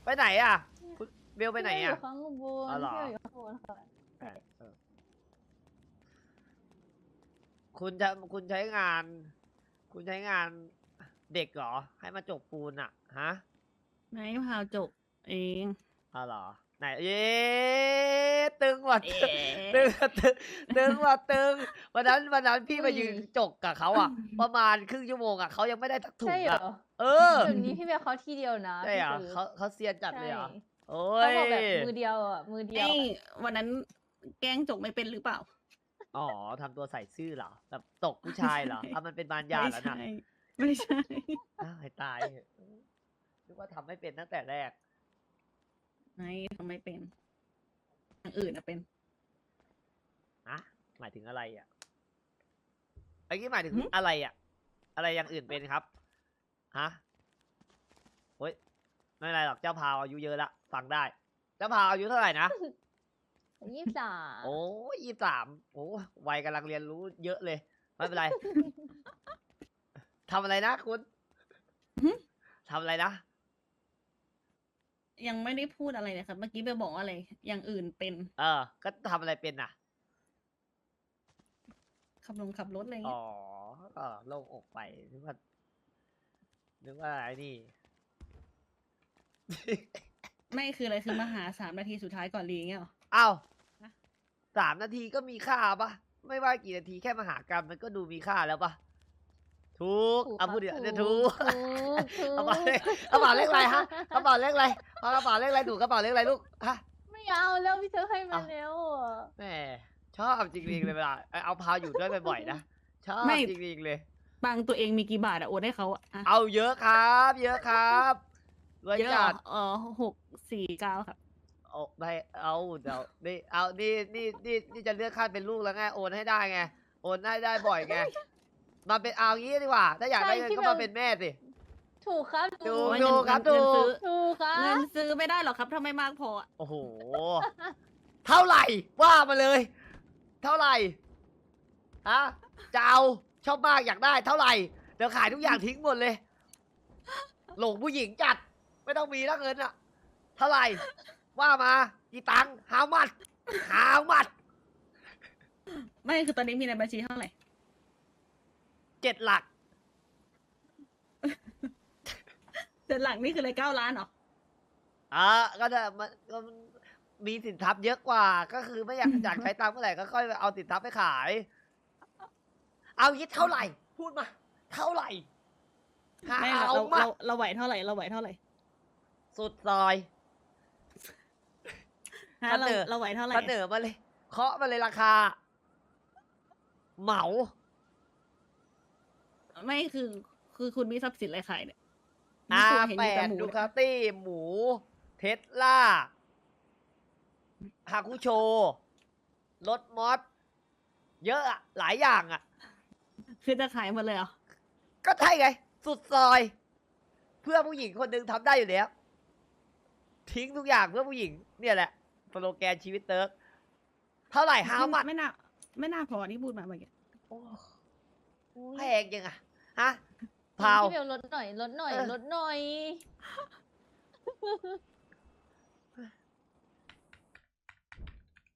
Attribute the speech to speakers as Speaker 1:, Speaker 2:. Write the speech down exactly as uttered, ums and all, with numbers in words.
Speaker 1: ไปไหนอ่ะคุณเบลไปไหนอ่ะ
Speaker 2: อยู่ข้างบน
Speaker 1: อ๋อเหรอ
Speaker 2: พี่อยู่ข้างบนค่ะ
Speaker 1: เออคุณจะคุณใช้งาน คุณใช้งานเด็กเหรอ ให้มาจกปูนอ่ะ ฮะ
Speaker 3: ไม่พาวจบเอง
Speaker 1: อ๋อเหรอ ไหน เย้ตึงว่ะ
Speaker 3: เอ๊
Speaker 1: ตึง
Speaker 3: ะ
Speaker 1: ตึงตึงว่ะตึงวันนั้นวันนั้นพี่มายืนจกกับเขาอ่ะ ประมาณครึ่งชั่วโมงอ่ะเขายังไม่ได้ทักถุ
Speaker 2: ใช่
Speaker 1: ง
Speaker 2: เหร
Speaker 1: อ่ะ
Speaker 2: อ
Speaker 1: เออ
Speaker 2: เดี๋ยวนี้พี่เบลเขาทีเดียวนะ
Speaker 1: ใช่เหรอ
Speaker 2: พี่
Speaker 1: เขาเขาเซียนจัดเลยเหรอ
Speaker 2: ใช่
Speaker 1: โอ้
Speaker 2: เขา
Speaker 1: ย
Speaker 2: บอกแบบมือเดียวอ่ะมือเดียว
Speaker 3: ไอ้วันนั้นแกล้งจบไม่เป็นหรือเปล่า
Speaker 1: อ๋อทำตัวใส่ซื่อเหรอแบบตกผู้ชายเหรออ่ะมันเป็นบานยา
Speaker 3: ไม่
Speaker 1: แล้ว
Speaker 3: ใช่
Speaker 1: นะ
Speaker 3: ไม่ใช่
Speaker 1: อ้าวให้ตายเถอะนึกว่าทำไม่เป็นตั้งแต่แรก
Speaker 3: ไม่ทำไม่เป็นอย่างอื่นอะเป็น
Speaker 1: อะหมายถึงอะไรอ่ะไอ้นี่หมายถึง
Speaker 3: หึ
Speaker 1: อะไรอ่ะ อะไรอย่างอื่นเป็นครับ ฮะโอ้ยไม่เป็นไรหรอกเจ้าพาวอายุเยอะละฟังได้ เจ้าพาวอายุเท่าไหร่นะ
Speaker 2: ยี่สิบสาม
Speaker 1: โอ้ยี่สามโอ้วัยกำลังเรียนรู้เยอะเลย ไม่เป็นไร ทำอะไรนะคุณ
Speaker 3: หึ
Speaker 1: ทำอะไรนะ
Speaker 3: ยังไม่ได้พูดอะไรเลยครับ เมื่อกี้ไปบอกว่าอะไร อย่างอื่นเป็น
Speaker 1: เออ ก็ทำอะไรเป็นน่ะ
Speaker 3: ขับลงขับรถอะไร
Speaker 1: อ๋
Speaker 3: เงี้
Speaker 1: อย ก็โล่งอกไปนึกว่านึกว่าไอ้นี่
Speaker 3: ไม่คืออะไรคือมาหาสามนาทีสุดท้ายก่อนรีเงี้ยเหรอ
Speaker 1: อ้าว
Speaker 3: ฮะ
Speaker 1: สามนาทีก็มีค่าปะไม่ว่ากี่นาทีแค่มหากรรมมันก็ดูมีค่าแล้วปะถูก
Speaker 2: ถูก
Speaker 1: เอา
Speaker 2: ครับ
Speaker 1: พูดเดี๋ยว
Speaker 2: ถูก
Speaker 1: เดี๋ยวถูก
Speaker 2: ถูกถูก
Speaker 1: กระเป๋าเลขกระเป๋าเลขอะไรฮะกระเป๋าเลขอะไรเอากระเป๋าเลขอะไรหนูกระเป๋าเลขอะไรลูกฮะ
Speaker 2: ไม่เอาแล้วพี่เธอให้มา
Speaker 1: อ่ะ
Speaker 2: แล้วอะ
Speaker 1: แหมชอบจริงๆเลยเวลาเอาพาวอยู่ด้วยบ่อยๆนะชอบ
Speaker 3: ไม่
Speaker 1: จริงๆเลย
Speaker 3: บางตัวเองมีกี่บาทอะโอนให้เขาอะอะ
Speaker 1: เอาเยอะครับ เยอะครับรวย
Speaker 3: เยอะเหร
Speaker 1: จั
Speaker 3: อ
Speaker 1: ด
Speaker 3: เออหกสี่เก้าครับ
Speaker 1: เอาไม่เอาเดี๋ยวนี่เอานี่นี่นี่นี่จะเลือกขั้นเป็นลูกแล้วไงโอนให้ได้ไงโอนให้ได้บ่อยไงมาเป็นเอางี้ดีกว่า ถ้าอยากได้เงินก็มาเป็นแม่สิ
Speaker 2: ถูกครับ
Speaker 1: ถู
Speaker 2: ถู
Speaker 1: ก
Speaker 2: ก
Speaker 3: เงิน
Speaker 1: ครับ
Speaker 3: เงิน
Speaker 1: ถูก
Speaker 3: ซื้อ
Speaker 2: ถูกครั
Speaker 3: เงิ
Speaker 2: บ
Speaker 3: นซื้อไม่ได้หรอกครับถ้าไม่มากพออะ
Speaker 1: โอ้โห เท่าไหร่ว่ามาเลย เท่าไหร่ฮะจะเอาชอบมากอยากได้ เท่าไหร่เดี๋ยวขายทุกอย่างทิ้งหมดเลย หลงผู้หญิงจัด ไม่ต้องมีแล้วเงินอะเท่าไหร่ ว่ามากี่ตังค์หามัดหามัด
Speaker 3: ไม่คือตอนนี้มีในบัญชีเท่าไหร่
Speaker 1: เจ็ดหลัก
Speaker 3: เดือนหลังนี่คืออะไรเก้าล้านเหรอ
Speaker 1: อ่าก็จะมันก็มันมีสินทรัพย์เยอะกว่า ก็คือไม่อยากอยากใช้ตังค์เมื่อไหร่ก็ค่อยเอาสินทรัพย์ไปขาย เอางี้เท่าไหร่ พูดมา เท่าไหร่หา
Speaker 3: ไม่เรา
Speaker 1: เอา
Speaker 3: เรา
Speaker 1: มา
Speaker 3: เราเราไหวเท่าไหร่เราไหวเท่าไหร่
Speaker 1: สุดซอย
Speaker 3: ฮะเรา
Speaker 1: เสนอ
Speaker 3: เราไหวเท่าไหร่
Speaker 1: เสนอมาเลย เคาะมาเลยราคา เหมา
Speaker 3: ไม่คือคือคุณมีทรัพย์สินอะไรขายเนี่ย
Speaker 1: อา
Speaker 3: ตัวเห็น
Speaker 1: แป
Speaker 3: อยู่แต่
Speaker 1: ด
Speaker 3: หมู
Speaker 1: ดู
Speaker 3: เนี่ย
Speaker 1: คาตี้ หมู เทสลาฮาคุโช รถมอส เยอะอะหลายอย่างอะ
Speaker 3: คือจะขายหมดเลยเหรอ
Speaker 1: ก็ใช่ไง สุดซอย เพื่อผู้หญิงคนหนึ่งทำได้อยู่แล้ว ทิ้งทุกอย่างเพื่อผู้หญิง เนี่ยแหละสโลแกนชีวิตเติร์กเท่าไหร่ฮาวมัด
Speaker 3: ไม่น่าไม่น่าพอที่พูดมาเมื่อกี้
Speaker 1: โอ้
Speaker 2: อุ๊ย
Speaker 1: แพงยังอะฮะพาว
Speaker 2: พี่เบลลดหน่อยลดหน่อย
Speaker 1: เออ
Speaker 2: ลดหน่อย